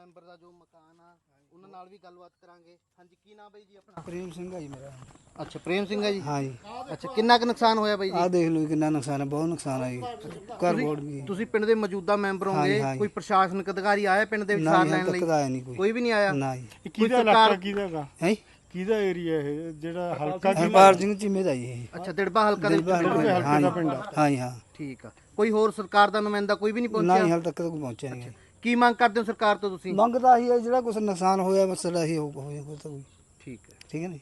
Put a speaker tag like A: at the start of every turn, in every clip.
A: Member ਦਾ ਜੋ ਮਕਾਨ ਆ ਉਹਨਾਂ ਨਾਲ ਵੀ ਗੱਲਬਾਤ ਕਰਾਂਗੇ। ਹਾਂਜੀ, ਕੀ ਨਾਮ ਬਾਈ ਜੀ ਆਪਣਾ?
B: ਪ੍ਰੇਮ ਸਿੰਘ ਹੈ ਜੀ ਮੇਰਾ।
A: ਅੱਛਾ, ਪ੍ਰੇਮ ਸਿੰਘ ਹੈ ਜੀ।
B: ਹਾਂ ਜੀ।
A: ਅੱਛਾ, ਕਿੰਨਾ ਕੁ ਨੁਕਸਾਨ ਹੋਇਆ ਬਾਈ ਜੀ?
B: ਆਹ ਦੇਖ ਲਓ ਕਿੰਨਾ ਨੁਕਸਾਨ ਹੈ, ਬਹੁਤ ਨੁਕਸਾਨ ਹੈ ਜੀ। ਘਰ ਬੋਰਡ ਵੀ।
A: ਤੁਸੀਂ ਪਿੰਡ ਦੇ ਮੌਜੂਦਾ ਮੈਂਬਰ ਹੋਗੇ, ਕੋਈ ਪ੍ਰਸ਼ਾਸਨਿਕ ਅਧਿਕਾਰੀ ਆਇਆ ਪਿੰਡ ਦੇ ਵਿੱਚ ਸਾਰ ਲੈਣ ਲਈ?
B: ਨਹੀਂ,
A: ਕੋਈ ਵੀ ਨਹੀਂ ਆਇਆ।
B: ਨਾ ਜੀ।
C: ਕਿਹਦਾ ਇਲਾਕਾ ਕਿਹਦਾਗਾ
B: ਹੈ
C: ਕਿਹਦਾ ਏਰੀਆ ਇਹ ਜਿਹੜਾ ਹਲਕਾ
B: ਹਰਪਾਲ ਸਿੰਘ ਚੀਮੇ ਦਾ ਜੀ।
A: ਅੱਛਾ, ਦਿੜਬਾ ਹਲਕਾ ਦੇ ਵਿੱਚ
B: ਹਾਂ ਜੀ, ਹਾਂ ਜੀ, ਹਾਂ।
A: ਠੀਕ ਆ। ਕੋਈ ਹੋਰ ਸਰਕਾਰ ਦਾ ਨੁਮਾਇੰਦਾ ਕੋਈ ਵੀ ਨਹੀਂ
B: ਨਾ
A: ਪਹੁੰਚਿਆ?
B: ਹੀ ਹਾਲ ਤੱਕ ਤਾਂ ਕੋਈ ਪਹੁੰਚਿਆ ਨਹੀਂ।
A: ਕੀ ਮੰਗ ਕਰਦੇ ਹੋ ਸਰਕਾਰ ਤੋਂ ਤੁਸੀਂ?
B: ਮੰਗਦਾ ਹੀ ਹੈ ਜਿਹੜਾ ਕੁਛ ਨੁਕਸਾਨ ਹੋਇਆ ਮਸਲਾ ਹੀ ਹੋਇਆ ਕੋਈ।
A: ਠੀਕ ਹੈ,
B: ਠੀਕ ਹੈ ਨਾ।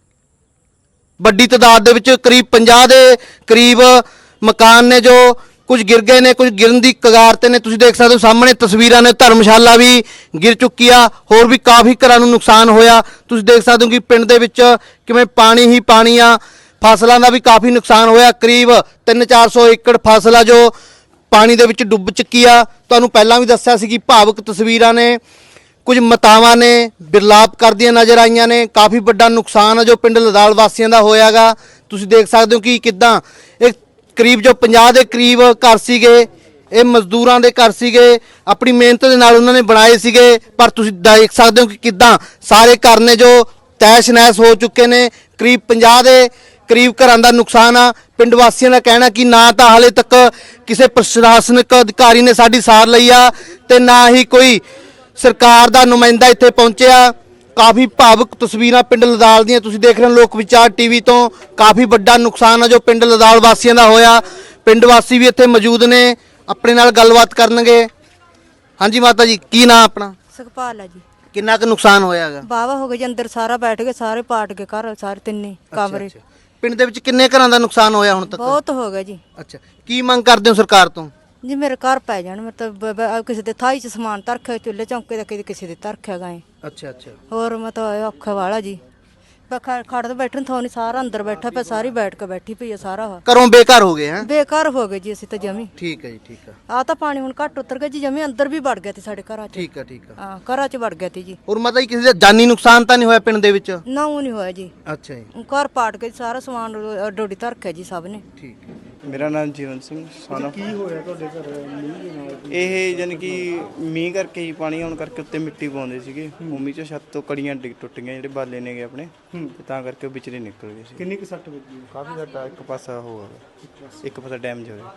A: ਵੱਡੀ ਤਾਦਾਦ ਦੇ ਵਿੱਚ ਕਰੀਬ 50 ਦੇ ਕਰੀਬ ਮਕਾਨ ਨੇ ਜੋ ਕੁਝ ਗਿਰ ਗਏ ਨੇ, ਕੁਝ ਗਿਰਨ ਦੀ ਕਗਾਰ ਤੇ ਨੇ। ਤੁਸੀਂ ਦੇਖ ਸਕਦੇ ਹੋ ਸਾਹਮਣੇ ਤਸਵੀਰਾਂ ਨੇ, ਧਰਮਸ਼ਾਲਾ ਵੀ ਗਿਰ ਚੁੱਕੀ ਆ, ਹੋਰ ਵੀ ਕਾਫੀ ਘਰਾਂ ਨੂੰ ਨੁਕਸਾਨ ਹੋਇਆ। ਤੁਸੀਂ ਦੇਖ ਸਕਦੇ ਹੋ ਕਿ ਪਿੰਡ ਦੇ ਵਿੱਚ ਕਿਵੇਂ ਪਾਣੀ ਹੀ ਪਾਣੀ ਆ। ਫਸਲਾਂ ਦਾ ਵੀ ਕਾਫੀ ਨੁਕਸਾਨ ਹੋਇਆ, ਕਰੀਬ 300-400 ਏਕੜ ਫਸਲ ਆ ਜੋ ਪਾਣੀ ਦੇ ਵਿੱਚ ਡੁੱਬ ਚੁੱਕੀ ਆ। ਤੁਹਾਨੂੰ ਪਹਿਲਾਂ ਵੀ ਦੱਸਿਆ ਸੀ ਕਿ ਭਾਵੁਕ ਤਸਵੀਰਾਂ ਨੇ, ਕੁਝ ਮਾਤਾਵਾਂ ਨੇ ਬਿਰਲਾਪ ਕਰਦੀਆਂ ਨਜ਼ਰ ਆਈਆਂ ਨੇ। ਕਾਫੀ ਵੱਡਾ ਨੁਕਸਾਨ ਆ ਜੋ ਪਿੰਡ ਲਦਾਲ ਵਾਸੀਆਂ ਦਾ ਹੋਇਆਗਾ। ਤੁਸੀਂ ਦੇਖ ਸਕਦੇ ਹੋ ਕਿ ਕਿੱਦਾਂ ਇਹ ਕਰੀਬ ਜੋ 50 ਦੇ ਕਰੀਬ ਘਰ ਸੀਗੇ, ਇਹ ਮਜ਼ਦੂਰਾਂ ਦੇ ਘਰ ਸੀਗੇ, ਆਪਣੀ ਮਿਹਨਤ ਦੇ ਨਾਲ ਉਹਨਾਂ ਨੇ ਬਣਾਏ ਸੀਗੇ। ਪਰ ਤੁਸੀਂ ਦੇਖ ਸਕਦੇ ਹੋ ਕਿ ਕਿੱਦਾਂ ਸਾਰੇ ਘਰ ਨੇ ਜੋ ਤੈਸ਼ ਨੈਸ਼ ਹੋ ਚੁੱਕੇ ਨੇ। ਕਰੀਬ 50 ਦੇ ਕਰੀਬ ਘਰਾਂ ਦਾ ਨੁਕਸਾਨ ਆ। ਪਿੰਡ ਵਾਸੀਆਂ ਦਾ ਕਹਿਣਾ ਕਿ ਨਾ ਤਾਂ ਹਾਲੇ ਤੱਕ ਕਿਸੇ ਪ੍ਰਸ਼ਾਸਨਿਕ ਅਧਿਕਾਰੀ ਨੇ ਸਾਡੀ ਸਾਰ ਲਈ ਆ ਤੇ ਨਾ ਹੀ ਕੋਈ ਸਰਕਾਰ ਦਾ ਨੁਮਾਇੰਦਾ ਇੱਥੇ ਪਹੁੰਚਿਆ। ਕਾਫੀ ਭਾਵੁਕ ਤਸਵੀਰਾਂ ਪਿੰਡ ਲਦਾਲ ਦੀਆਂ ਤੁਸੀਂ ਦੇਖ ਰਹੇ ਹੋ ਲੋਕ ਵਿਚਾਰ ਟੀਵੀ ਤੋਂ। ਕਾਫੀ ਵੱਡਾ ਨੁਕਸਾਨ ਆ ਜੋ ਪਿੰਡ ਲਦਾਲ ਵਾਸੀਆਂ ਦਾ ਹੋਇਆ। ਪਿੰਡ ਵਾਸੀ ਵੀ ਇੱਥੇ ਮੌਜੂਦ ਨੇ, ਆਪਣੇ ਨਾਲ ਗੱਲਬਾਤ ਕਰਨਗੇ। ਹਾਂਜੀ ਮਾਤਾ ਜੀ, ਕੀ ਨਾਂ ਆਪਣਾ?
D: ਸੁਖਪਾਲ ਹੈ ਜੀ।
A: ਕਿੰਨਾ ਕੁ ਨੁਕਸਾਨ ਹੋਇਆਗਾ?
D: ਬਾਵਾ ਹੋ ਗਏ ਜੀ, ਅੰਦਰ ਸਾਰਾ ਬੈਠ ਗਏ, ਸਾਰੇ ਪਾਟ ਗਏ ਘਰ, ਸਾਰੇ ਤਿੰਨੇ ਕਮਰੇ।
A: ਪਿੰਡ ਦੇ ਵਿੱਚ ਕਿੰਨੇ ਘਰਾਂ ਦਾ ਨੁਕਸਾਨ ਹੋਇਆ ਹੁਣ ਤੱਕ?
D: ਬਹੁਤ ਹੋ ਗਿਆ ਜੀ।
A: ਅੱਛਾ, ਕੀ ਮੰਗ ਕਰਦੇ ਹੋ ਸਰਕਾਰ ਤੋਂ?
D: ਜੀ ਮੇਰੇ ਘਰ ਪੈ ਜਾਣ, ਮਤਲਬ ਕਿਸੇ ਦੇ ਥਾਈ ਚ ਸਮਾਨ ਧਰਖਿਆ, ਚੁੱਲ੍ਹੇ ਚੌਂਕੇ ਦਾ ਕਿਸੇ ਦੇ ਧਰਖਿਆ ਗਏ।
A: ਅੱਛਾ ਅੱਛਾ।
D: ਹੋਰ ਮਤਲਬ ਔਖਾ ਵਾਲਾ ਜੀ। ਖੜ ਤੋਂ ਬੈਠਣ ਥੋਂ ਨਹੀਂ, ਸਾਰਾ ਅੰਦਰ ਬੈਠਾ ਪਿਆ, ਸਾਰੀ ਬੈਠ ਕੇ ਬੈਠੀ ਪਈ ਆ ਸਾਰਾ।
A: ਘਰੋਂ ਬੇਘਰ ਹੋ ਗਏ? ਹੈ,
D: ਬੇਘਰ ਹੋ ਗਏ ਜੀ ਅਸੀਂ ਤਾਂ ਜਮੀ।
A: ਠੀਕ ਹੈ ਜੀ, ਠੀਕ ਆ।
D: ਆ ਤਾਂ ਪਾਣੀ ਹੁਣ ਘੱਟ ਉਤਰ ਗਿਆ ਜੀ, ਜਮੀ ਅੰਦਰ ਵੀ ਵੜ ਗਿਆ ਤੇ ਸਾਡੇ ਘਰਾਂ ਚ।
A: ਠੀਕ ਆ, ਠੀਕ ਆ।
D: ਹਾਂ, ਘਰਾਂ ਚ ਵੜ ਗਿਆ ਤੇ ਜੀ।
A: ਹੋਰ ਮਾਤਾ ਜੀ, ਕਿਸੇ ਦਾ ਜਾਨੀ ਨੁਕਸਾਨ ਤਾਂ ਨਹੀਂ ਹੋਇਆ ਪਿੰਡ ਦੇ ਵਿੱਚ?
D: ਨਾ ਉਹ ਨਹੀਂ ਹੋਇਆ ਜੀ।
A: ਅੱਛਾ ਜੀ,
D: ਘਰ ਪਾਟ ਕੇ ਸਾਰਾ ਸਮਾਨ ਡੋਡੀ ਧਰਖਿਆ ਜੀ ਸਭ ਨੇ।
A: ਠੀਕ ਹੈ।
E: ਮੇਰਾ ਨਾਮ ਜੀਵਨ ਸਿੰਘ ਸਾਨਾ।
C: ਕੀ ਹੋਇਆ ਤੁਹਾਡੇ ਘਰ ਮੀਂਹ ਦੇ ਨਾਲ?
E: ਇਹ ਜਾਣੀ ਕਿ ਮੀਂਹ ਕਰਕੇ ਹੀ ਪਾਣੀ ਆਉਣ ਕਰਕੇ ਉੱਤੇ ਮਿੱਟੀ ਪਾਉਂਦੇ ਸੀਗੇ, ਭੂਮੀ ਚੋਂ ਛੱਤ ਤੋਂ ਕੜੀਆਂ ਟੁੱਟ ਗਈਆਂ, ਜਿਹੜੇ ਬਾਲੇ ਨੇਗੇ ਆਪਣੇ, ਤੇ ਤਾਂ ਕਰਕੇ ਉਹ ਵਿਚਲੇ ਨਿਕਲ ਗਏ ਸੀ।
C: ਕਿੰਨੀ ਕੁ ਸੱਟ ਵੱਜੀ?
E: ਕਾਫੀ ਸਾਡਾ ਇੱਕ ਪਾਸਾ ਹੋਇਆ, ਇੱਕ ਪਾਸਾ ਡੈਮੇਜ ਹੋਇਆ।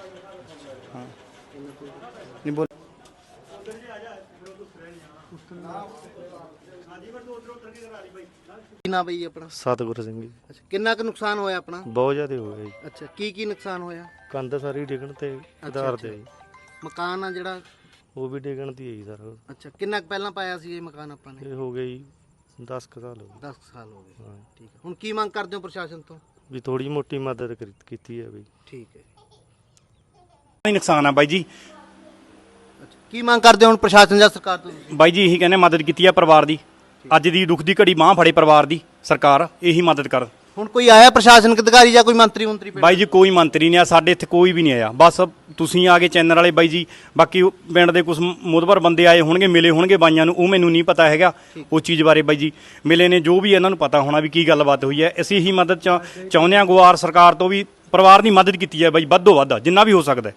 E: ਹਾਂ ਨਹੀਂ ਬੋਲ।
A: ਕੀ ਨਾਂ ਬਈ ਆਪਣਾ?
F: ਸਤਿਗੁਰ ਸਿੰਘ ਜੀ।
A: ਅੱਛਾ, ਕਿੰਨਾ ਕੁ ਨੁਕਸਾਨ ਹੋਇਆ ਆਪਣਾ?
F: ਬਹੁਤ ਜ਼ਿਆਦਾ ਹੋ ਗਿਆ ਜੀ।
A: ਅੱਛਾ, ਕੀ ਨੁਕਸਾਨ ਹੋਇਆ?
F: ਕੰਧ ਸਾਰੀ ਡਿੱਗਣ ਤੇ ਆਧਾਰ ਤੇ ਜੀ।
A: ਮਕਾਨ ਆ ਜਿਹੜਾ
F: ਉਹ ਵੀ ਡਿੱਗਣ ਦੀ ਹੈ ਜੀ ਸਰ।
A: ਅੱਛਾ, ਕਿੰਨਾ ਕੁ ਪਹਿਲਾਂ ਪਾਇਆ ਸੀ ਇਹ ਮਕਾਨ ਆਪਾਂ ਨੇ?
F: ਇਹ ਹੋ ਗਿਆ ਜੀ 10 ਕੁ ਸਾਲ ਹੋ ਗਏ।
A: 10 ਸਾਲ ਹੋ ਗਏ।
F: ਹਾਂ
A: ਠੀਕ ਹੈ, ਹੁਣ ਕੀ ਮੰਗ ਕਰਦੇ ਹੋ ਪ੍ਰਸ਼ਾਸਨ ਤੋਂ?
F: ਵੀ ਥੋੜੀ ਮੋਟੀ ਮਦਦ ਕੀਤੀ ਹੈ ਬਈ।
A: ਠੀਕ ਹੈ।
G: ਨਹੀਂ ਨੁਕਸਾਨ ਆ ਬਾਈ ਜੀ।
A: ਅੱਛਾ, ਕੀ ਮੰਗ ਕਰਦੇ ਹੋ ਹੁਣ ਪ੍ਰਸ਼ਾਸਨ ਜਾਂ ਸਰਕਾਰ ਤੋਂ ਤੁਸੀਂ?
G: ਬਾਈ ਜੀ ਇਹੀ ਕਹਿੰਦੇ ਮਦਦ ਕੀਤੀ ਆ ਪਰਿਵਾਰ ਦੀ, ਅੱਜ ਦੀ ਦੁੱਖ ਦੀ ਘੜੀ ਬਾਂਹ ਫੜੇ ਪਰਿਵਾਰ ਦੀ, ਸਰਕਾਰ ਇਹੀ ਮਦਦ ਕਰ।
A: ਹੁਣ ਕੋਈ ਆਇਆ ਪ੍ਰਸ਼ਾਸਨਿਕ ਅਧਿਕਾਰੀ ਜਾਂ ਕੋਈ ਮੰਤਰੀ ਪਿੰਡ?
G: ਬਾਈ ਜੀ ਕੋਈ ਮੰਤਰੀ ਨਹੀਂ ਆ ਸਾਡੇ ਇੱਥੇ, ਕੋਈ ਵੀ ਨਹੀਂ ਆਇਆ। ਬਸ ਤੁਸੀਂ ਆ ਗਏ ਚੈਨਲ ਵਾਲੇ ਬਾਈ ਜੀ, ਬਾਕੀ ਪਿੰਡ ਦੇ ਕੁਝ ਮੋਦਵਰ ਬੰਦੇ ਆਏ ਹੋਣਗੇ, ਮਿਲੇ ਹੋਣਗੇ ਬਾਈਆਂ ਨੂੰ, ਉਹ ਮੈਨੂੰ ਨਹੀਂ ਪਤਾ ਹੈਗਾ ਉਹ ਚੀਜ਼ ਬਾਰੇ। ਬਾਈ ਜੀ ਮਿਲੇ ਨੇ, ਜੋ ਵੀ ਇਹਨਾਂ ਨੂੰ ਪਤਾ ਹੋਣਾ ਵੀ ਕੀ ਗੱਲਬਾਤ ਹੋਈ ਹੈ। ਅਸੀਂ ਇਹੀ ਮਦਦ ਚਾਹੁੰਦੇ ਹਾਂ ਗੁਆਰ ਸਰਕਾਰ ਤੋਂ ਵੀ ਪਰਿਵਾਰ ਦੀ ਮਦਦ ਕੀਤੀ ਜਾਏ ਬਾਈ, ਵੱਧੋ ਵੱਧ ਜਿੰਨਾ ਵੀ ਹੋ ਸਕਦਾ।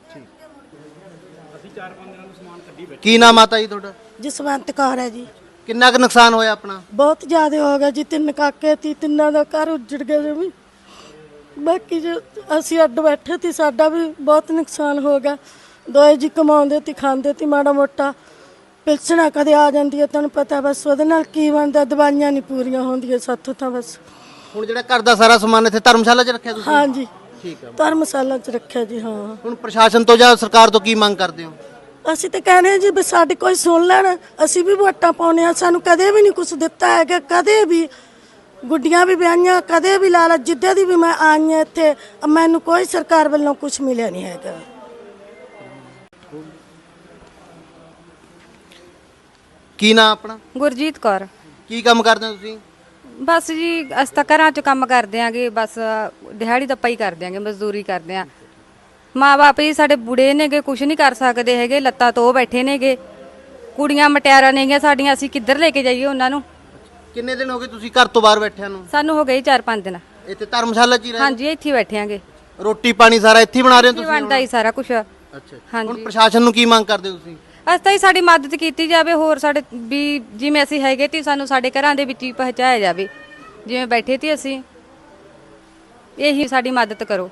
A: ਕੀ ਨਾਮ ਮਾਤਾ ਜੀ ਤੁਹਾਡਾ?
H: ਜਸਵੰਤ ਕੌਰ ਹੈ ਜੀ।
A: ਕਿੰਨਾ ਕੁ ਨੁਕਸਾਨ ਹੋਇਆ ਆਪਣਾ?
H: ਬਹੁਤ ਜ਼ਿਆਦਾ ਹੋ ਗਿਆ ਜੀ, 3 ਕਾਕੇ ਸੀ, ਤਿੰਨਾਂ ਦਾ ਘਰ ਉੱਜੜ ਗਿਆ ਜੀ। ਬਾਕੀ ਜੋ ਅਸੀਂ ਅੱਡ ਬੈਠੇ ਸੀ, ਸਾਡਾ ਵੀ ਬਹੁਤ ਨੁਕਸਾਨ ਹੋ ਗਿਆ। ਦੋਏ ਜੀ ਕਮਾਉਂਦੇ ਤੇ ਖਾਂਦੇ ਤੇ, ਮਾੜਾ ਮੋਟਾ ਪਿਲਸਣਾ ਕਦੇ ਆ ਜਾਂਦੀ ਹੈ, ਤੁਹਾਨੂੰ ਪਤਾ, ਬਸ ਉਹਦੇ ਨਾਲ ਕੀ ਬਣਦਾ, ਦਵਾਈਆਂ ਨਹੀਂ ਪੂਰੀਆਂ ਹੁੰਦੀਆਂ ਸਾਥੋਂ ਤਾਂ ਬਸ।
A: ਹੁਣ ਜਿਹੜਾ ਘਰ ਦਾ ਸਾਰਾ ਸਮਾਨ ਇੱਥੇ ਧਰਮਸ਼ਾਲਾ 'ਚ ਰੱਖਿਆ ਤੁਸੀਂ?
H: ਹਾਂਜੀ,
A: ਠੀਕ ਹੈ।
H: ਧਰਮਸ਼ਾਲਾ 'ਚ ਰੱਖਿਆ ਜੀ। ਹਾਂ,
A: ਹੁਣ ਪ੍ਰਸ਼ਾਸਨ ਤੋਂ ਜਾਂ ਸਰਕਾਰ ਤੋਂ ਕੀ ਮੰਗ ਕਰਦੇ ਹੋ?
H: ਅਸੀਂ ਤਾਂ ਕਹਿੰਦੇ ਹਾਂ ਜੀ ਵੀ ਸਾਡੀ ਕੋਈ ਸੁਣ ਲੈਣ, ਅਸੀਂ ਵੀ ਵੋਟਾਂ ਪਾਉਂਦੇ ਹਾਂ, ਸਾਨੂੰ ਕਦੇ ਵੀ ਨਹੀਂ ਕੁਝ ਦਿੱਤਾ ਹੈਗਾ, ਕਦੇ ਵੀ ਗੁੱਡੀਆਂ ਵੀ ਵਿਆਹੀਆਂ, ਕਦੇ ਵੀ ਲਾਲਾ, ਜਿੱਦੇ ਦੀ ਵੀ ਮੈਂ ਆਈ ਹਾਂ ਇੱਥੇ, ਮੈਨੂੰ ਕੋਈ ਸਰਕਾਰ ਵੱਲੋਂ ਕੁਝ ਮਿਲਿਆ ਨਹੀਂ ਹੈਗਾ।
A: ਕੀ ਨਾਂ ਆਪਣਾ?
I: ਗੁਰਜੀਤ ਕੌਰ।
A: ਕੀ ਕੰਮ ਕਰਦੇ ਹੋ ਤੁਸੀਂ?
I: ਬਸ ਜੀ ਅਸੀਂ ਤਾਂ ਘਰਾਂ 'ਚ ਕੰਮ ਕਰਦੇ ਆਂਗੇ, ਬਸ ਦਿਹਾੜੀ ਦੱਪਾ ਹੀ ਕਰਦੇ ਆਂਗੇ, ਮਜ਼ਦੂਰੀ ਕਰਦੇ ਆਂ। ਮਾਂ ਬਾਪ ਹੀ ਸਾਡੇ ਬੁੜੇ ਨੇਗੇ, ਕੁਝ ਨਹੀਂ ਕਰ ਸਕਦੇ ਹੈਗੇ, ਲੱਤਾਂ ਤੋਂ ਬੈਠੇ ਨੇਗੇ, ਕੁੜੀਆਂ ਮਟਿਆਰਾਂ ਨੇਗੀਆਂ ਸਾਡੀਆਂ, ਅਸੀਂ ਕਿੱਧਰ ਲੈ ਕੇ ਜਾਈਏ ਉਹਨਾਂ ਨੂੰ?
A: ਕਿੰਨੇ ਦਿਨ ਹੋ ਗਏ ਤੁਸੀਂ ਘਰ ਤੋਂ ਬਾਹਰ ਬੈਠਿਆਂ ਨੂੰ?
I: ਸਾਨੂੰ ਹੋ ਗਏ 4-5 ਦਿਨ।
A: ਇੱਥੇ ਧਰਮਸ਼ਾਲਾ 'ਚ ਹੀ ਰਹੇ?
I: ਹਾਂਜੀ, ਇੱਥੇ ਹੀ ਬੈਠੇ ਆਂਗੇ।
A: ਰੋਟੀ ਪਾਣੀ ਸਾਰਾ ਇੱਥੇ ਹੀ ਬਣਾ ਰਹੇ ਹੋ ਤੁਸੀਂ?
I: ਬਣਦਾ ਹੀ ਸਾਰਾ ਕੁਝ।
A: ਅੱਛਾ, ਹੁਣ
I: ਹਾਂਜੀ,
A: ਪ੍ਰਸ਼ਾਸਨ ਨੂੰ ਕੀ ਮੰਗ ਕਰਦੇ ਹੋ ਤੁਸੀਂ?
I: ਅਸੀਂ ਤਾਂ ਹੀ ਸਾਡੀ ਮਦਦ ਕੀਤੀ ਜਾਵੇ, ਹੋਰ ਸਾਡੇ ਵੀ ਜਿਵੇਂ ਅਸੀਂ ਹੈਗੇ ਤੀ ਸਾਨੂੰ ਸਾਡੇ ਘਰਾਂ ਦੇ ਵਿੱਚ ਹੀ ਪਹੁੰਚਾਇਆ ਜਾਵੇ, ਜਿਵੇਂ ਬੈਠੇ ਤੀ ਅਸੀਂ, ਇਹੀ ਸਾਡੀ ਮਦਦ ਕਰੋ।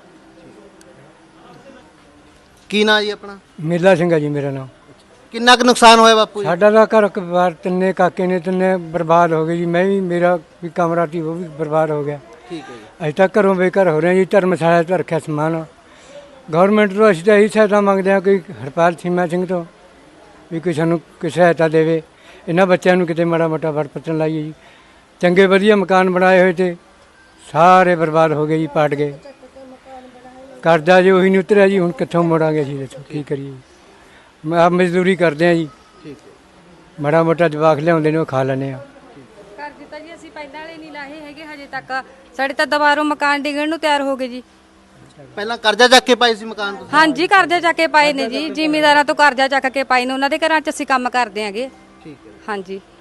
A: ਕੀ ਨਾਂ ਜੀ ਆਪਣਾ?
B: ਮੇਲਾ ਸਿੰਘ ਹੈ ਜੀ ਮੇਰਾ ਨਾਮ।
A: ਕਿੰਨਾ ਕੁ ਨੁਕਸਾਨ ਹੋਇਆ ਬਾਪੂ ਜੀ?
B: ਸਾਡਾ ਦਾ ਘਰ ਬਾਰ ਤਿੰਨੇ ਕਾਕੇ ਨੇ ਤਿੰਨੇ ਬਰਬਾਦ ਹੋ ਗਏ ਜੀ। ਮੈਂ ਵੀ, ਮੇਰਾ ਵੀ ਕਮਰਾ ਸੀ ਉਹ ਵੀ ਬਰਬਾਦ ਹੋ ਗਿਆ।
A: ਠੀਕ ਹੈ ਜੀ।
B: ਅਸੀਂ ਤਾਂ ਘਰੋਂ ਬੇਘਰ ਹੋ ਰਹੇ ਹਾਂ ਜੀ। ਧਰਮਸ਼ਾਲਾ 'ਚ ਰੱਖਿਆ ਸਮਾਨ। ਗਵਰਨਮੈਂਟ ਤੋਂ ਅਸੀਂ ਤਾਂ ਇਹੀ ਸਹਾਇਤਾ ਮੰਗਦੇ ਹਾਂ, ਕੋਈ ਹਰਪਾਲ ਸੀਮਾ ਸਿੰਘ ਤੋਂ ਵੀ ਕੋਈ ਸਾਨੂੰ ਕੋਈ ਸਹਾਇਤਾ ਦੇਵੇ। ਇਹਨਾਂ ਬੱਚਿਆਂ ਨੂੰ ਕਿਤੇ ਮਾੜਾ ਮੋਟਾ ਵੜ ਪੱਤਣ ਲਾਈਏ ਜੀ। ਚੰਗੇ ਵਧੀਆ ਮਕਾਨ ਬਣਾਏ ਹੋਏ ਤੇ ਸਾਰੇ ਬਰਬਾਦ ਹੋ ਗਏ ਜੀ, ਪਾਟ ਗਏ। ਕਰਜ਼ਾ ਜੀ ਉਹੀ ਨਹੀਂ ਉਤਰਿਆ ਜੀ। ਹੁਣ ਕਿੱਥੋਂ ਮੋੜਾਂਗੇ ਜੀ, ਦੱਸੋ ਕੀ ਕਰੀਏ। ਆਪ ਮਜ਼ਦੂਰੀ ਕਰਦੇ ਹਾਂ ਜੀ।
A: ਠੀਕ ਹੈ।
B: ਮਾੜਾ ਮੋਟਾ ਜਵਾਕ ਲਿਆਉਂਦੇ ਨੇ ਉਹ ਖਾ ਲੈਂਦੇ ਆ।
I: ਕਰ ਦਿੱਤਾ ਜੀ ਅਸੀਂ, ਪਹਿਲਾਂ ਵਾਲੇ ਨਹੀਂ ਲਾਹੇ ਹੈਗੇ ਹਜੇ ਤੱਕ। ਸਾਡੇ ਤਾਂ ਦੁਬਾਰਾ ਮਕਾਨ ਡਿੱਗਣ ਨੂੰ ਤਿਆਰ ਹੋ ਗਏ ਜੀ।
A: ਪਹਿਲਾਂ ਕਰਜ਼ਾ ਚੱਕ ਕੇ ਪਾਏ ਸੀ ਮਕਾਨ ਤੁਸੀਂ?
I: ਹਾਂਜੀ ਕਰਜ਼ਾ ਚੱਕ ਕੇ ਪਾਏ ਨੇ ਜੀ, ਜ਼ਿਮੀਂਦਾਰਾਂ ਤੋਂ ਕਰਜ਼ਾ ਚੱਕ ਕੇ ਪਾਏ ਨੇ, ਉਹਨਾਂ ਦੇ ਘਰਾਂ 'ਚ ਅਸੀਂ ਕੰਮ ਕਰਦੇ ਆਂਗੇ।
A: ਠੀਕ ਹੈ।
I: ਹਾਂਜੀ